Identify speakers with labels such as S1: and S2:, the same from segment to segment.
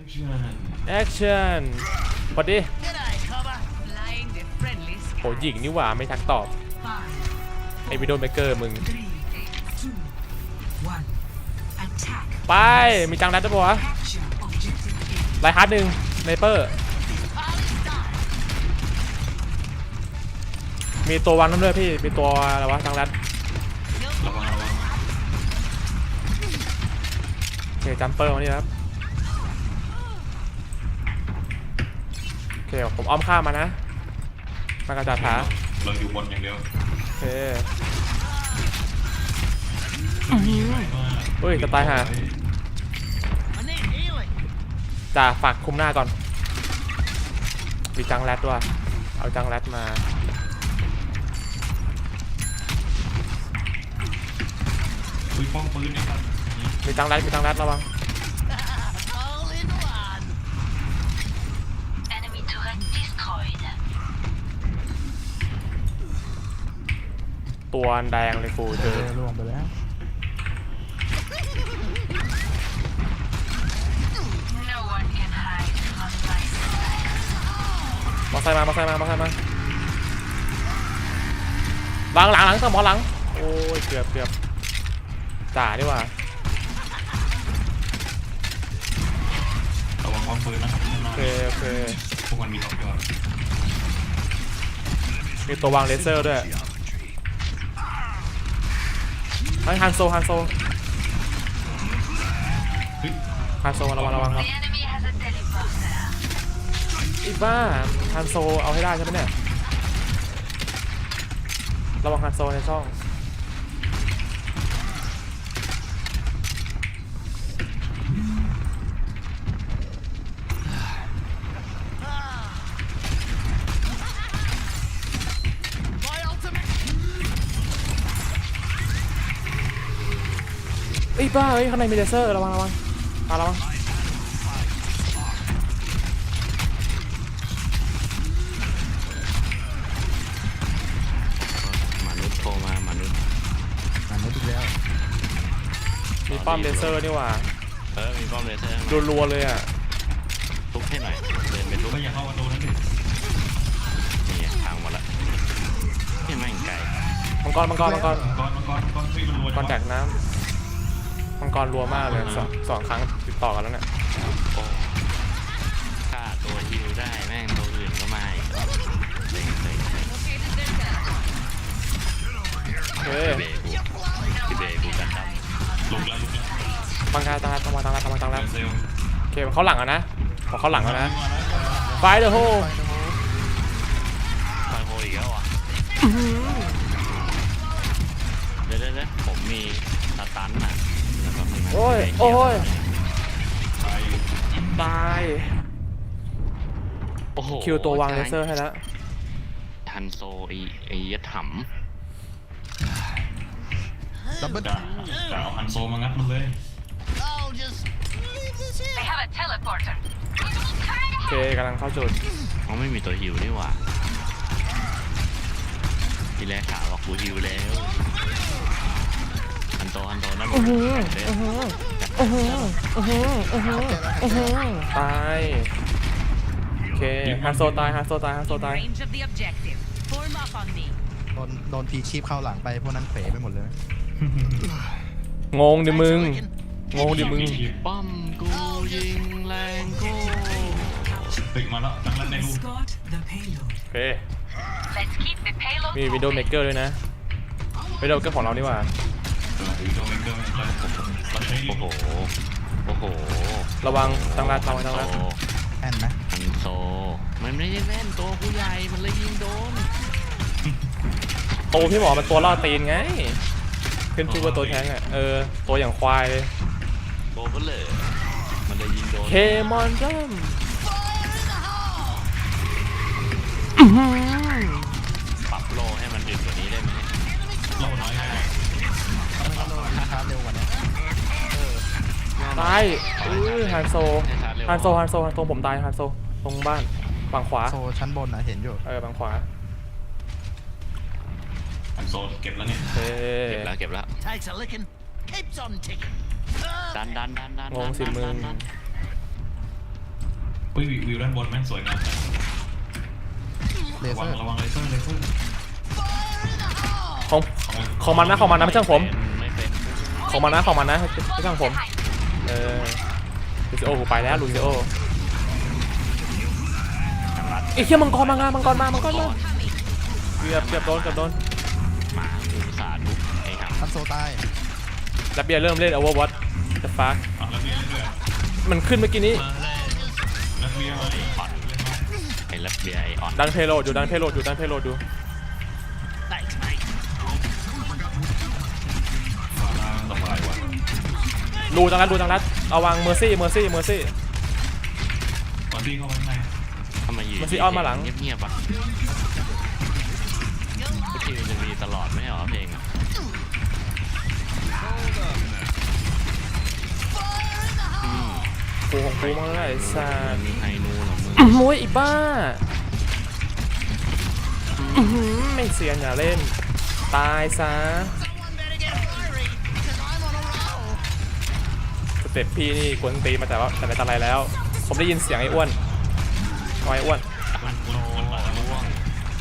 S1: แอคชั่นพอดีโหหญิงนี่หว่าไม่ทักตอบไอวิดีโอเมกเกอร์มึงไปมีจังรัดได้ปะวะไลฮาร์ดหนึ่งไนเปอร์มีตัววันนั่นด้วยพี่มีตัวอะไรวะจังรัดโอเคจัมเปอร์มานี่ครับโอเคผมอ้อมข้ามมานะมากระจาดขา
S2: เราอยู่บนอย่างเดียว
S1: โอเคเฮ้ยจะตายห่าจ่าฝากคุมหน้าก่อนมีจังแรดด้วยเอาจังแรดมา
S2: คุยป้องปืนนี่ครับ
S1: มีจังแรดระวังตัวแดงเลยกูเจอล่วงไปแล้วมาใส่มาหลังสมอหลังโอ้ยเกือบจ่าดีกว่า
S2: ระวังป้องปืนนะครับ
S1: โอเค
S2: พวกมันมีสองตัว
S1: มีตัววางเลเซอร์ด้วยฮันโซระวังครับอีบ้าฮันโซเอาให้ได้ใช่ไหมเนี่ยระวังฮันโซในช่องไอ้บ้าเฮ้ยข้างในมีเลเซอร์ระวังมาระวัง
S3: มนุษย์โทรมามนุษย์
S1: อีกแล้วมีป้อมเลเซอร์นี่หว่า
S3: มีป้อมเลเซอร์
S1: รัวๆเลยอ่ะ
S3: ทุบให้หน่อยเดินไปทุบ
S2: ก็อย่าเข้าประตูนั้นดิ
S3: นี่ทางหมดละที่ไม่ไกล
S1: มังกรแตกน้ำมังกรรัวมากเลยสองครั้งติดต่อกันแล้วเนี่ย
S3: ฆ่าตัวฮิวได้แม่งตัวอื่นก็ไม่
S1: เฮ้ย
S3: พี่เบกูกันดั้ม
S2: ลุกแล้ว
S1: บังการตังแล้วโอเคเขาหลังอ่ะนะพอเขาหลังแล้วนะไฟเดอะโฮ
S3: อีกแล้วอ่ะเดี๋ยวผมมีสตันน่ะ
S1: โอ้ยตาย
S3: โอ้โห
S1: คิวตัววางเลเซอร์ให้แล้ว
S3: ทันโซไอ้ยัดถ่ำ
S2: จะเอาฮันโซมางัดมันเลย
S1: โอเคกำลังเข้าจุด
S3: เขาไม่มีตัวฮิวนี่หว่าทีแรกข่าวว่ากูฮิวแล้วฮันโตนั่น
S1: ตายโอเคฮันโซตาย
S4: โดนพีชีพเข้าหลังไปพวกนั้นเป๋ไปหมดเลย
S1: งงดิมึง
S3: ป้อมกูยิงแรงกู
S2: ตึกมาแล้วจังแล้วในรู
S1: โอเคมีวิดีโอเมกเกอร์ด้วยนะวิดีโอเมกเกอร์ของเรานี่หว่า
S3: โอ้โห
S1: ระวังตังรัด
S4: แอนไหม
S3: ฮันโซมันไม่ได้แม่นตัวผู้ใหญ่มันเลยยิงโดน
S1: โตพี่หมอมันตัวล่อตีนไงขึ้นชื่อว่าตัวแทงอ่ะตัวอย่างควายเลย
S3: โตก็เลยมันเลยยิงโดน
S1: เคมอนจัม
S3: ปรับโลให้มันดึกกว่านี้ได้ไหม
S2: โลน้อย
S4: ครับเร็วกว่านี้
S1: ตายฮันโซผมตายฮันโซตรงบ้านฝั่งขวา
S4: โซชั้นบนนะเห็นอยู่
S1: ฝั่งขวา
S2: ฮันโซเก็บแล้วเนี่ย
S3: เก็บแล้วดัน
S1: งงสิมึง
S2: อุ้ยวิวด้านบนแม่งสวยงาม
S4: เล
S2: ระ
S4: เซ
S2: วั
S4: อง ร์
S2: ระวังเลเซอร์เลเซอร์
S1: ของมันนะไม่ใช่ของผม
S3: ไม่เป็น
S1: ของมันนะไม่ใช่ของผมลูซิโอกูไปแล้วลูซิโอไอ้เหี้ยมังกรมาเกือบโดน
S3: หมาอุตส่าห์ทุบไอ้ห่ำ
S4: ฮันโซตาย
S1: แล้วเบียร์เริ่มเล่น Overwatch จะฟัก
S2: แล้วเบียร์เรื่อย
S1: มันขึ้นเมื่อกี้นี้
S2: แล้วเบียร์มา
S3: อ่อนไอ้ลับเบียร์ไอ้อ่อน
S1: ดันเพโลดอยู่
S2: สบายวะ
S1: ดูจังรัดเอาวางเมอร์ซี่
S2: ตอนที่เข้าไปข้างใน
S3: ทำไมอยู่
S1: มันซีออนมาหลัง
S3: เงียบๆปะทุกทีมันจะมีตลอดไม่ใช่เหรอเพลงอ่ะ
S1: กูของกูมาแล้วไอ้สัส
S3: มีไฮนูเหรอมึง
S1: โอ้ยอีบ้าไม่เสียนอย่าเล่นตายซะสเต็ปพี่นี่กวนตีมาแต่ไหนแต่ไรแล้ว ผมได้ยินเสียงไอ้อ้วนไอ้อ้วน
S3: มันโตล่วง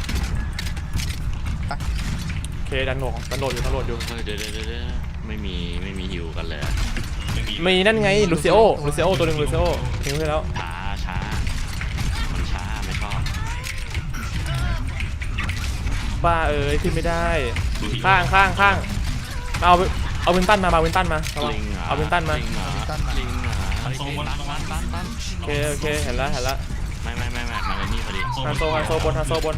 S1: โอเคดันโหดอยู่
S3: เดี๋ยวไม่มีฮิวกันเลย
S1: มีนั่นไงลูซิโอตัวหนึ่งลูซิโอทิ้งไปแล้ว
S3: ช้ามันช้าไม่ชอบ
S1: บ้าขึ้นไม่ได้ข้างเอาวินตันมาเอาวินตันมา
S3: ลิงเหรอ
S1: เอาวินตันมา
S3: ลิงเหรอลิงเหรอไอ้ตัน
S1: โอเคเห็นแล้ว
S3: ไม่มาเลยนี่พอดี
S1: ฮันโซบน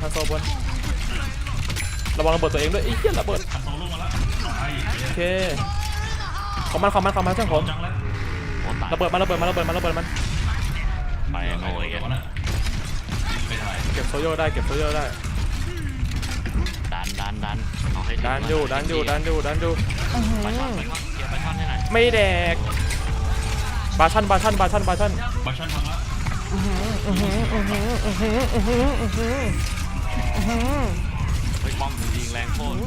S1: ระวังระเบิดตัวเองด้วยไอ้เหี้ยระเบิด
S2: ฮันโซลงมาแล้วไอ้
S1: โอเคของมันเจ้าผม
S2: จังแล้ว
S3: โอ้ตาย
S1: ระเบิดมัน
S3: ไปโง่ย
S2: เดี๋ยวนะไม่ได้
S1: เก็บโซโย่ได้
S3: ดันเอาให้
S1: ดันอยู่
S3: ไปช่อนเกียร์ไปช่อนให้หน่อย
S1: ไม่แดกบาชั่น
S2: บัชชั่นพังละ
S3: เฮ้ยป้อมยิงแรงโคตร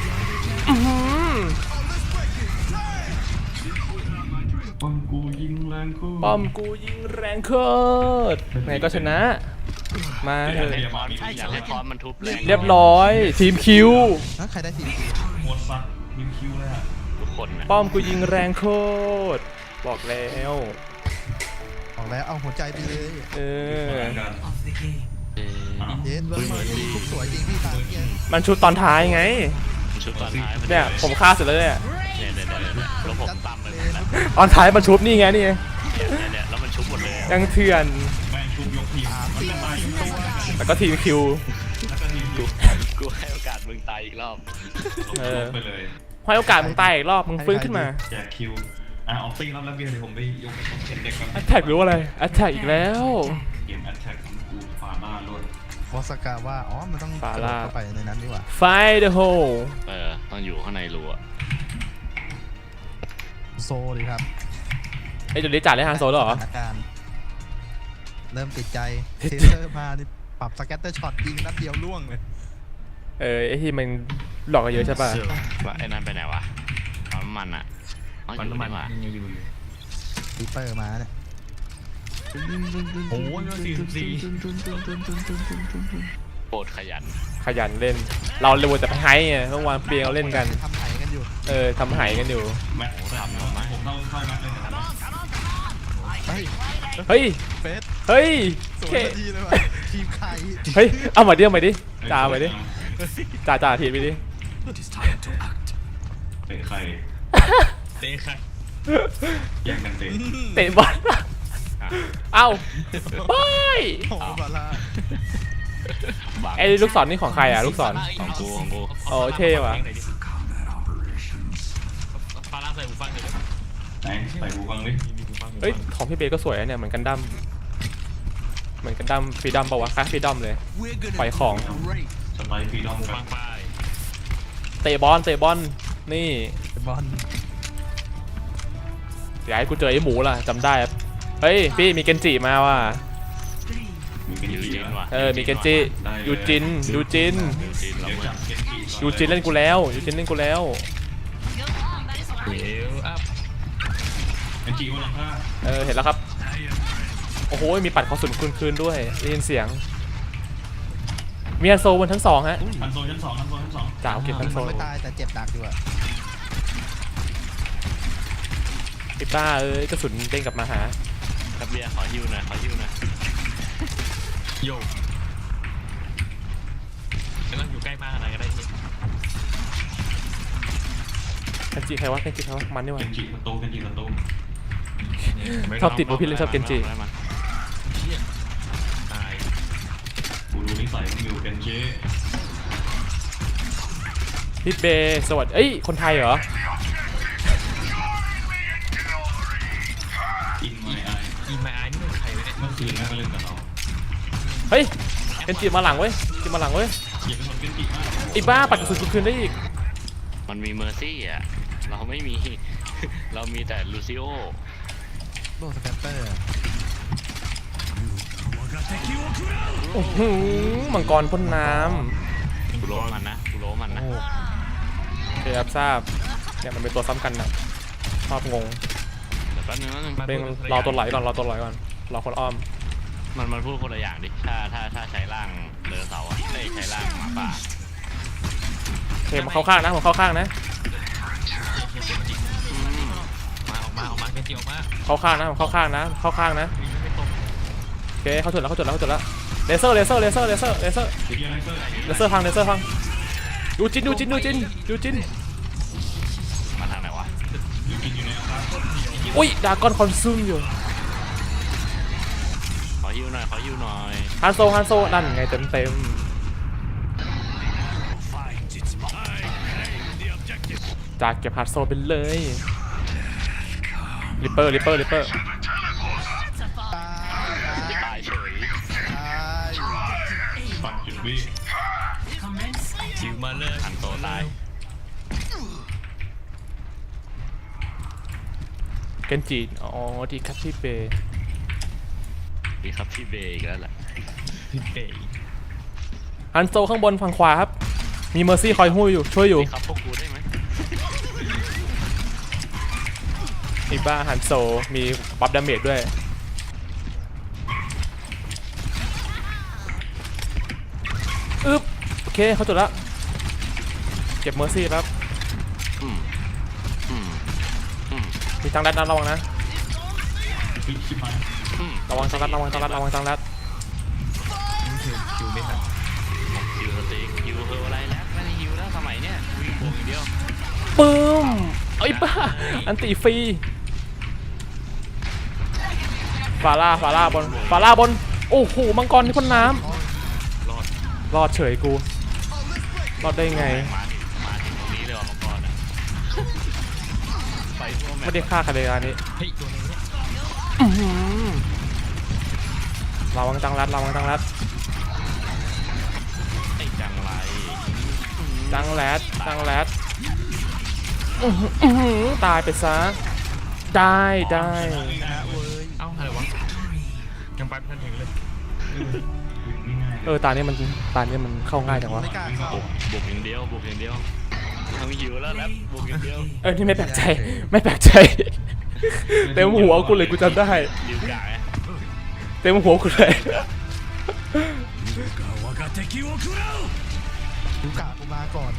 S2: ป้อมกูยิงแรงคู่
S1: ป้อมกูยิงแรงโคตรไงก็ชนะมาเถอะ
S3: อยากให้คอนมันทุบแรง
S1: เรียบร้อยทีมคิว
S4: ใครได้ทีม
S2: หมดสัตว์ยิงคิวเลยอ่ะ
S3: ทุกคนนะ
S1: ป้อมกูยิงแรงโคตรบอกแล้ว
S4: บอกแล้วเอาหัวใจไปเลย
S2: กัน
S4: เย็นทุกสวยจริงพี่ตาเย็น
S1: มันชุดตอนท้ายไง
S3: ชุดตอนท้าย
S1: เนี่ยผมฆ่าเสร็จแล้วเนี่ย
S3: แล้วผมตำเลยนะ
S1: ตอนท้ายมันชุบนี่ไงนี่ไง
S3: เนี่ยแล้วมันชุบหมดเลย
S1: ยังเถื่อน
S2: แม่งชุบยกทีมมันจะตายทุกตัว
S1: แล้วก็ทีมคิว
S2: แล้วก็ทีมคิว
S3: กูให้โอกาสมึงตายอีกรอบ
S2: ไปเลย
S1: ให้โอกาสมึงตายอีกรอบมึงฟื้นขึ้นมา
S2: แจกคิวออกตีรับแล้วเบียร์เดี๋ยวผมไปยกเด็กกัน
S1: แอตแทกหรือว่าอะไรแอตแทกอีกแล้ว
S2: เกมแอตแทกของกูฟาร่าล้วน
S4: วอสกาว่ามันต้องเข้าไปในนั้นดีกว่า
S1: Fight the hole
S3: ต้องอยู่ข้างในรูอะ
S4: โซดีครับ
S1: ไอ้จุดนี้จ่ายได้ฮันโซแล้วเหรอ
S4: อาการเริ่มติดใจเทเซอร์มานี่ปรับสแกตเตอร์ช็อตยิงนัดเดียวล่วงเลย
S1: ไอ้ที่มันหลอกกันเยอะใช่ป่ะ
S3: ไอ้นั่นไปไหนวะปั๊มมันอะอยู่นี่หว่า
S4: ปีเปอร์มาเนี่ย
S2: โอ้ย44
S3: โคตรขยัน
S1: เล่น เราเร็วแต่ไปไฮไงต้องวางเปียงเราเล่นกัน
S4: ทำไถกันอยู่
S1: ทำไฮกันอยู่
S2: แม็กซ์ทำผมเข้าแม็กซ์เลยนะครับ
S4: เฮ้ย
S1: เฮ้ย
S4: เฟส
S1: เฮ้ย
S4: สวยดีเลยว่ะทีมใคร
S1: เฮ้ยเอาใหม่ดิจ่าใหม่ดิจ่าทีไปดิ
S2: เตะใครแย่งกันเตะ
S1: เตะบอลเอ้าไป
S4: โอ้บาลา
S1: ไอ้ลูกศรนี่ของใครอ่ะลูกศร
S3: ของกู
S1: โอ้เท่ว่ะ
S2: ไหนใส่หูฟังดิ
S1: เฮ้ยของพี่เบย์ก็สวยนะเนี่ยเหมือนกันดั้มฟรีดัมป่าวะคล้ายฟรีดัมเลยปล่อยของ
S2: สไปฟรีดอมกัน
S1: เตะบอลนี่
S4: บอล
S1: อย่าให้กูเจอไอ้หมูล่ะจำได้ครับเฮ้ยพี่มีเกนจิมาว่ะ
S2: มีเป็น
S3: ยู
S2: จี
S3: จินว่ะ
S1: มีเกนจิยูจิน
S2: เดี๋ยวจับเกนจิ
S1: ยูจินเล่นกูแล้ว
S2: เกนจิวันละ5
S1: เห็นแล้วครับโอ้โหมีปัดกระสุนคืนด้วยได้ยินเสียงมีฮันโซบนชั้น2ฮะ
S2: ชั้นโซนชั้นสองชั้นโซนชั้นสอง
S1: จ่าเก็บทั้ง
S4: มันไม่ตายแต่เจ็บหนักอยู่อะ
S1: ไอ้บ้าเอ้ยกระสุนเด้งกลับมาหา
S3: ครับเบียร์ขอฮิวหน่อยขอฮิวหน่อย
S5: โยกไม่ต้องอยู่ใกล้มากขนาดก็ได้พี่
S1: เคนจิใครวะมันนี่วะ
S2: เกนจิประตูเกนจิประตู
S1: ชอบติดว่าพี่เล่นชอบเกนจิ
S3: ได้มา
S5: เชี่ยตาย
S2: กูรู้นิสัยมึงอยู่เกนจิ
S1: ฮิตเบย์สวัสดีเอ้ยคนไทยเหรอ
S2: อินไมไอ
S5: อีไมไอนี่เป็นใครวะเนี่ย
S2: เมื่อคืนแม่ก็เล่นกับเรา
S1: เฮ้ยเคนจิมาหลังเว้ยจิมาหลังเว้ย
S2: เขียนเป็นคนเกนจิมาก
S1: ไอ้บ้าปัดกระสุนคืนได้อีก
S3: มันมีเมอร์ซี่อ่ะเราไม่มี เรามีแต่ลูซิโอ
S4: โลสแกตเตอร์
S1: โอ้โหมังกรพ่นน้
S3: กูโล้มันนะกูโล้มันนะ
S4: โอ้
S1: ำโอเคครับทราบเนี่ยมันเป็นตัวซ้ำกันนะชอบงง
S3: เดี๋ยวแป๊บนึงนะ
S1: เร่งรอตัวไหลก่อนรอคนอ้อม
S3: มันพูดคนละอย่างดิถ้าใช้ร่างเดินเสาร์อะได้ใช้ร่างหมาป่า
S1: โอเคมาเข้าข้างนะผมเข้าข้างนะ
S3: อืม
S5: ออกมาเกนจิออกมา
S1: เข้าข้างนะผมเข้าข้างนะ
S5: วิ่งไม่ตรง
S1: โอเคเขาจุดแล้วเลเซอร์
S2: เดี๋ยวอะไรเซอร์
S1: พังเลเซอร์พังดูจิน
S3: มาทางไหนวะ
S2: อยู่กินอยู่ในอาคาร
S1: อุ้ยดากอนคอนซูมอยู่
S3: ขอฮิวหน่อย
S1: ฮันโซนั่นไงเต็มจากเก็บฮันโซไปเลยริปเปอร์
S4: ตาย
S3: ตายเฉย
S2: ปัดจุดบี้
S5: จิวมาเลย
S3: หันโตตาย
S1: เกนจิอ๋อดีครับพี่เบย์
S3: ดีครับพี่เบย์อีกแล้วแหละ
S5: พี่เป๋
S1: ฮันโซข้างบนฝั่งขวาครับมีเมอร์ซี่คอยช่วยอยู่
S3: ดีครับพวกกูได้ไหม
S1: ไอ้บ้าฮันโซมีบัฟดาเมจด้วยอึ๊บโอเคเขาจุดแล้วเก็บเมอร์ซี่ครับ
S3: อืม
S1: มีทางลัดนะระวังนะ
S2: ชิบหาย
S1: ระวังทางลัด
S5: นี่คือคิวไม่ทัน
S3: ฮิวสติ๊กฮิวเฮออะไรแล้วไม่ได้ฮิวแล้วสมัยเนี้ยวิ่งบวกอย่างเดียว
S1: ปึ้มไอ้บ้าอันติฟรีฟาร่าบนโอ้โหมังกรที่พ่นน้
S5: รอด
S1: ำรอดเฉยกูรอดได้ไง
S3: มาถึงตรงนี้เลยว่ะมังกรอ่ะไปทั่วแม
S1: ไม่
S3: ป
S1: ได้ฆ่าใครเลยอันนี้
S5: เฮ้ยตัวอะไรเนี่ย
S1: ระวังจังรัด
S3: ไอ้จังไร
S1: จังแรดตายไปซะได้
S4: เว้ย
S5: เอ้าอะไรวะยังไปไม่ทันถึงเลย
S1: ตานี้มันเข้าง่ายจังวะ
S4: ไม่กล้าเข้า
S3: บุกอย่างเดียวทำหิวแล้วบุกอย่างเดียว
S1: นี่ไม่แปลกใจเต็มหัวกูเลยกูจำได้
S3: ดิวกะไง
S1: เต็มหัวกูเลย
S4: ดูกะกูมาก่อน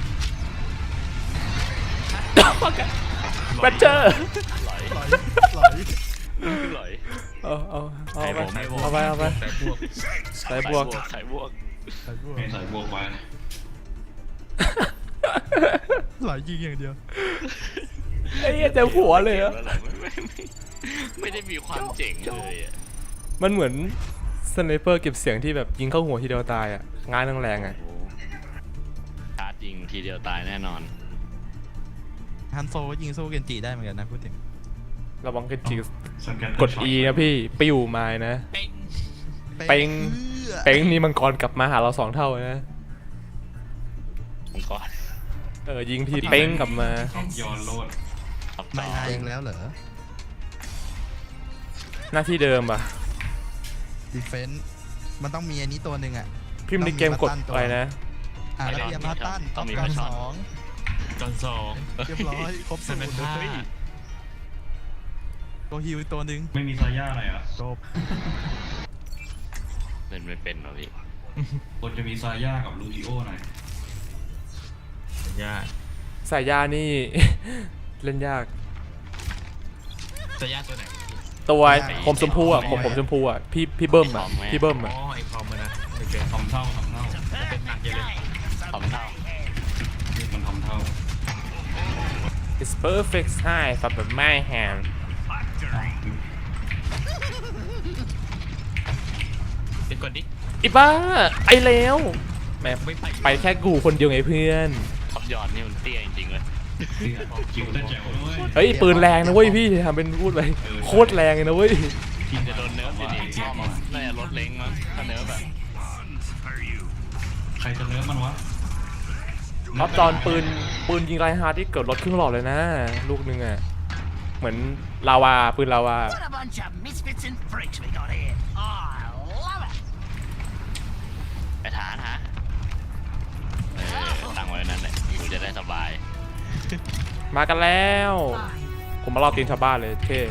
S1: แบตเจอร์
S3: หลอย
S4: หลอย
S3: หลอย
S1: เอาไป
S5: แต่พวก
S1: ใส่บวก
S3: ใส่บวก
S2: ไม่ใส่บวกไป
S4: หลอยยิงอย่างเดียว
S1: ไอ้เหี้ยเต็มหัวเลยอะ
S3: ไม่ได้มีความเจ๋งเลยอ่ะ
S1: มันเหมือนสไนเปอร์เก็บเสียงที่แบบยิงเข้าหัวทีเดียวตายอ่ะงานแรงๆอ่ะ
S3: ชาร์จยิงทีเดียวตายแน่นอน
S4: ฮันโซก็ยิงสู้เกนจิได้เหมือนกันนะพูดถึง
S1: ระวังกันจี
S2: สแน
S1: กด E นะพี่ปิ้วมานะ เป้ง เป้งนี่มังกรกลับมาหาเรา2 เท่านะ
S3: มังกร
S1: ยิงทีเป้งกลับมา
S2: ย้อนโลด
S3: ตับ
S4: ไม่
S3: ต่อ
S4: อายเองแล้วเหรอ
S1: หน้าที่เดิมอ่ะ
S4: ดีเฟนส์มันต้องมีอันนี้ตัวหนึ่งอ่ะ
S1: พิมพ์ในเกมกดอะไรนะ
S4: แล้วเบียร์พัตตันต้องการ
S5: จอนสอง
S4: 2เรียบร้อยครบสูตร
S5: 5
S4: ตัวฮิวอีกตัวหนึ่ง
S2: ไม่มีซาย่าหน่อยอ่ะ
S4: จบ
S3: เล่นไม่เป็นหรอพี่
S2: คนจะมีซาย่ากับลูดิโอหน่อย
S5: ยาก
S1: สายยานี่ เล่นยาก
S5: จะยากตัวไหน
S1: ตัวผมชมพูอ่ะผมชมพูอ่ะพี่เบิ้มอ่ะพี่เบิ้ม
S5: อ๋อ
S1: อ่ะ
S5: ไอคอมมันนะไม่เกิน
S2: ทำเท่า
S5: เป็นหนักเยอะเลย
S3: ทำเท่า
S2: มันทำเท่า
S1: It's perfect size for my hand
S5: เดี๋ยวก่อนดิ
S1: อีบ้าไอแล้วแม่
S5: ไม่ไป
S1: ไปแค่กูคนเดียวไงเพื่อน
S3: ท็อปยอดนี่มันเตี้ยจริงๆเลย
S2: จิ๋วแต่แจ๋วด้วย
S1: เฮ้ยปืนแรงนะเว้ยพี่ทำเป็นพูดไปโคตรแรงเลยนะเว้ย
S3: ทีมจะโดนเนิร์ฟอยู่นี่พ่อมันน่าจะลดเล้งมั้งถ้าเนิร์ฟแบบ
S2: ใครจะเนื้อมันวะ
S1: ออฟจอนปืนยิงไรฮาร์ดที่เกิดรถครึ่งหลอดเลยนะ ลูกนึงอ่ะเหมือนลาวาปืนลาวา
S6: What a bunch of misfits and freaks we got here. I love it.
S3: ไอ้ฐานฮะตั้งไว้นั่นแหละกูจะได้สบาย
S1: มากันแล้ว ผมมารอบตีนชาวบ้านเลยเท่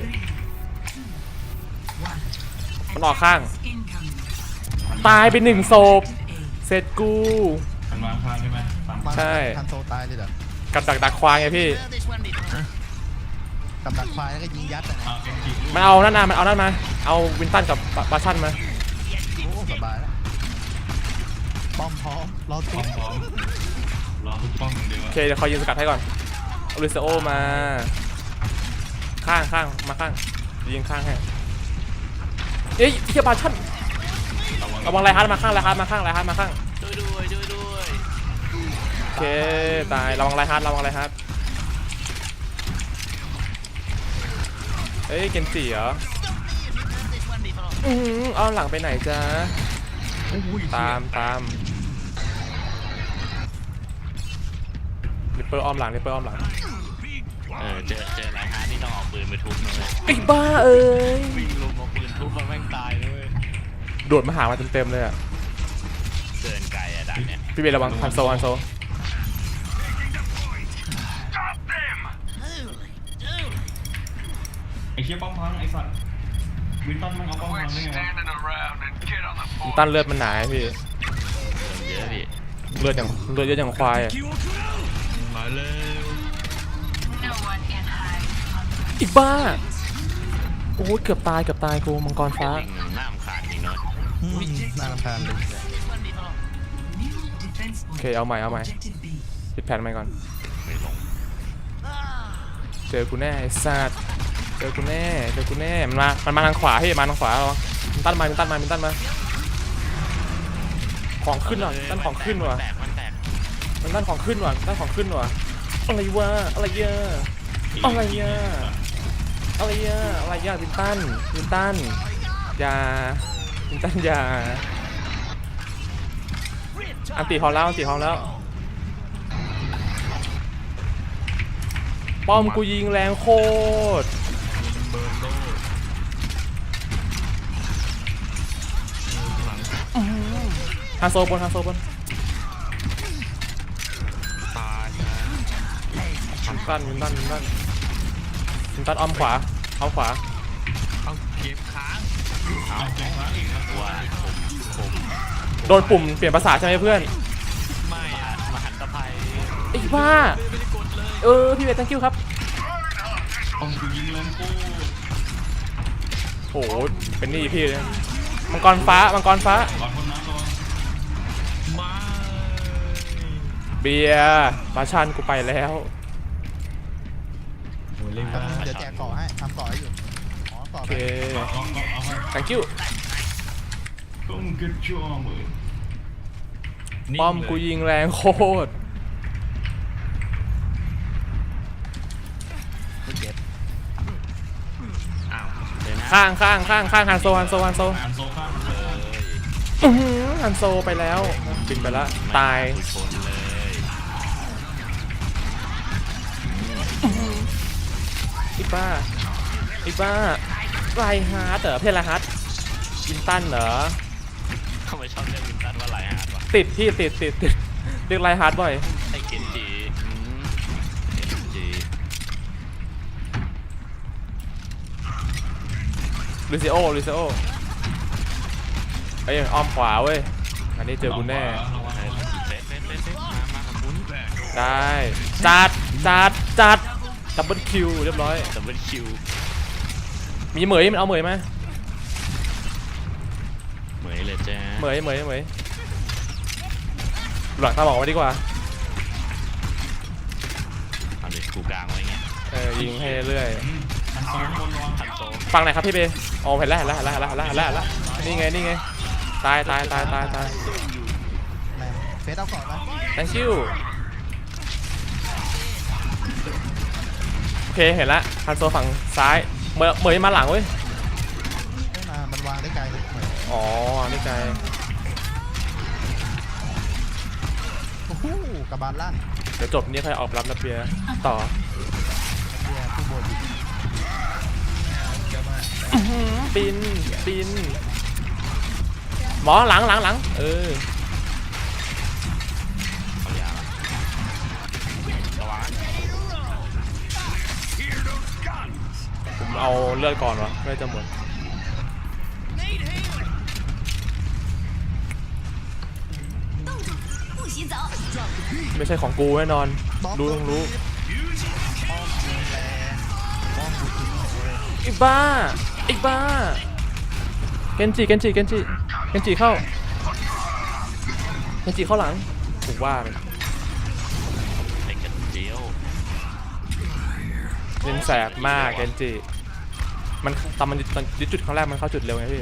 S1: มันออกข้าง ตายไปหนึ่งศพเสร็จกู
S2: มันวางข้างใช่ไหมตาม
S1: ใช่
S4: ทันโซตายเลยเหรอ
S1: กับดักควายไงพี่
S6: Heard this one before.
S4: กับดักควายแล้วก็ยิงยัดอะนะ
S2: เกมจิ
S1: มันเอานั่นมาเอานั่นมาเอาวินตันกับบาชั่นมา
S4: โอ้สบายแล้วป้อมพร้อมรอ
S2: พ
S4: ทุบ
S2: ร้อมรอทุกป้องอย่างเดียว
S1: โอเคเดี๋ยวคอยยิงสกัดให้ก่อนเอาลิซโอมาข้างมาข้างยิงข้างให้เอ้ยเฮียบาชั่นระวังไรฮาร์ดมาข้างไรฮาร์ดมาข้างไรฮาร์ดมาข้าง
S3: ช่วยด้วย
S1: โอเคตายระวังไรฮาร์ดเอ้ยเกนจิเหรอ
S6: Heard this one before.
S1: เอาหลังไปไหนจ๊ะตามริปเปอร์อ้อมหลัง
S3: เจอไรฮาร์ดนี่ต้องเอาปืนไปทุบนะเลย
S1: ไอ้บ้าเอ้ย
S3: วิ่งลุมเอาปืนทุบมันแม่งตายเลย
S1: โดดมาหามาเต็มเลยอ่ะ
S3: เดินไกลอะดันเนี่ย
S1: พี่เบลระวังฮันโซ
S6: Holy dooly.
S2: ไอ้เชี่ยป้อมพังไอ้สัตว์วินตันมันเอาป้อมพังได้ไงวะ
S1: วินตันเลือดมันหนาไอ้พี่
S3: เยอะพี่
S1: เลือดเยอะอย่างควายอ่ะ
S5: มาเร็ว
S1: อีกบ้าโอ้ยเกือบตายกูมังกรฟ้า
S3: ลิงหน้ามขาดจริงเนาะ
S4: น่ารำคาญเลย
S6: This one before.
S1: โอเคเอาใหม่ปิดแผ่นใหม่ก่อน
S3: ไม่ลง
S1: เจอกูแน่ไอ้สัตว์เจอกูแน่มันมาทางขวาพี่มาทางขวาระวังมินตันมาของขึ้นว่ะมินตันของขึ้นว่ะ
S3: มันแตก
S1: มินตันของขึ้นว่ะอะไรวะอะไรเยอะมินตันอย่าอันตีพร้อมแล้วป้อมกูยิงแรงโคตร
S5: เบิร์นโลหลัง
S1: ฮาโซบน
S5: ตายนะ
S1: มินตันอ้อมขวา
S5: เอาเก็บค้าง
S2: เอาเก่งมากอีกครับ
S3: ว่าผม
S1: โดนปุ่มเปลี่ยนภาษาใช่ไหมเพื่อน
S5: ไม่อะ
S3: มหันตภัย
S1: ไอ้บ้า
S5: ไม่ได้กดเลย
S1: พี่เวท thank you ครับ
S2: ป้อมกูยิงแรงกู
S1: โหเป็นหนี่พี่เลยมังกรฟ้า
S2: ก่อนคนน้ำก่อน
S5: ไม่
S1: เบียร์มาชันกูไปแล้ว
S5: โหเล่น
S4: แป๊บนึงเดี๋ยวแจกเกาะให้ทำเกาะให้อยู่อ๋อต่อ
S1: โอ
S4: ไป
S1: เค
S2: ก็เอาให้
S1: thank you
S2: ต้องกระจอกเลย
S1: ป้อมกูยิงแรงโคตร
S4: ไม่เก็บ
S5: อ้าว
S3: เลยนะ
S1: ข้างฮันโซ
S2: อ่านโซ่ข้าง
S1: ฮันโซไปแล้วบินไปแล้วตาย
S3: กูชนเลย
S1: อีบ้าไรฮาร์ดเหรอเพลไรฮาร์ดวินตันเหรอ
S3: ทำไมชอบเรียกวินตันว่าไรฮาร์ดวะ
S1: ติดเรียกไรฮาร์ดบ่อย
S3: ไอ้เกนจิ
S1: ลูซิโอไอ้ยอ้อมขวาเว้ยอันนี้เจอกูแน่
S2: ระวัง
S3: เซฟมากับคุณ
S1: ได้จัดดับเบิลคิวเรียบร้อย
S3: ดับเบิลคิว
S1: มีเหมยมันเอาเหมยมา
S3: เหมยเลยจ้า
S1: เหมยหลังตาบอกไว้ดีกว่า
S3: เอาดิกูกลางไว้เงี้ย
S1: ยิงให้เรื่อย
S2: อันโซนบนระวัง
S3: ทันโต
S1: ฟังไหนอยครับพี่เบอ๋อเห็นแล้วนี่ไงตาย
S4: แม่งเฟสเอาก่อนไหม
S1: thank you โอเคเห็นละฮันโซฝั่งซ้ายเหมยมาหลังเว้ย
S4: ไม่มามันวางได้ไกลเลยเหมือน
S1: อ๋อนี่ไง
S4: โอ้โหกระบาลลั่น
S1: เดี๋ยวจบนี้ค่อยออกรับระเบียร์ต่อ
S4: เบียร์ผู้บนอีก
S1: ปินหมอหลัง
S3: เอายาละระวัง
S1: ผมเอาเลือดก่อนวะเลือดจะหมด
S6: 不洗澡。
S1: ไม่ใช่ของกูแน่นอนรู้ต้องรู้
S4: ป้อมยิงแรงป้อมยิงเลย
S1: อีบ้าเกนจิเข้าเกนจิเข้าหลังถูกว่าเลย
S3: ไอ้กระเจียว
S1: เล่นแสบมากเกนจิมันตอนยึดจุดครั้งแรกมันเข้าจุดเร็วไงพี่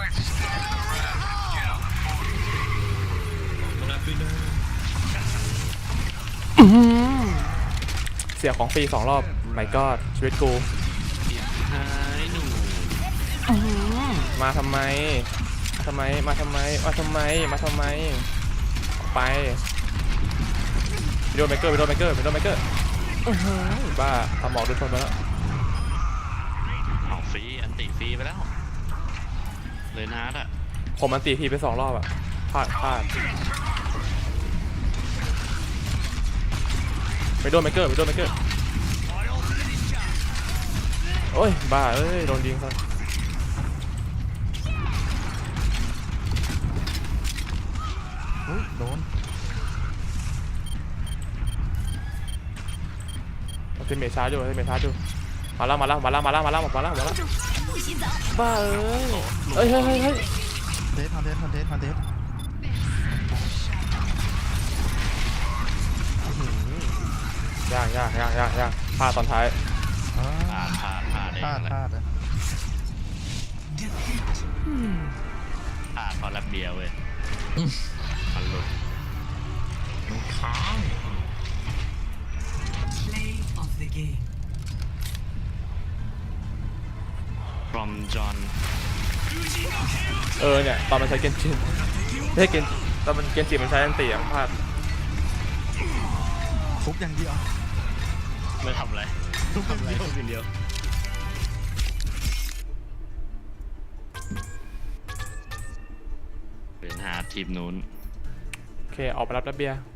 S1: เสียของฟรี2 รอบไม่ก็ชีวิตกู
S3: หายหนู
S1: มาทำไมออกไปวิดีโอเมเกอร์บ้าทำหมอกโดนชนไปแล้ว
S3: เอาฟรีอันติฟรีไปแล้วเลยฮาร์ดอะ
S1: ผมมันตีพีไป2 รอบอะพลาดวิดีโอเมเกอร์โอ้ยบ้าเอ้ยโดนยิงซะ
S4: อุ้ยโดน
S1: เทมเมชาร์จอยู่มาแล้ว
S6: 不洗澡。
S1: บ้าเอ้ยเฮ้ย
S4: เทสคอนเทส
S1: ยากพลาดตอนท้าย
S3: พลาดเอง
S4: พลาด
S3: แหละ
S4: พลาดเลย
S3: พลาดเพราะรับเบียร์เว้ยมันหลุด
S5: ค้าง
S3: from John
S1: เนี่ยตอนมันใช้เกนจิไม่ใช่ตอนมันเกนจิมันใช้อันตีพลาด
S4: ทุบอย่างเดียว
S3: ไม่ทำอะไร
S4: ทุบอย่างเดียว
S3: เดียวเป็นฮาร์ดทีมนู้น
S1: โอเคออกไปรับระเบียร์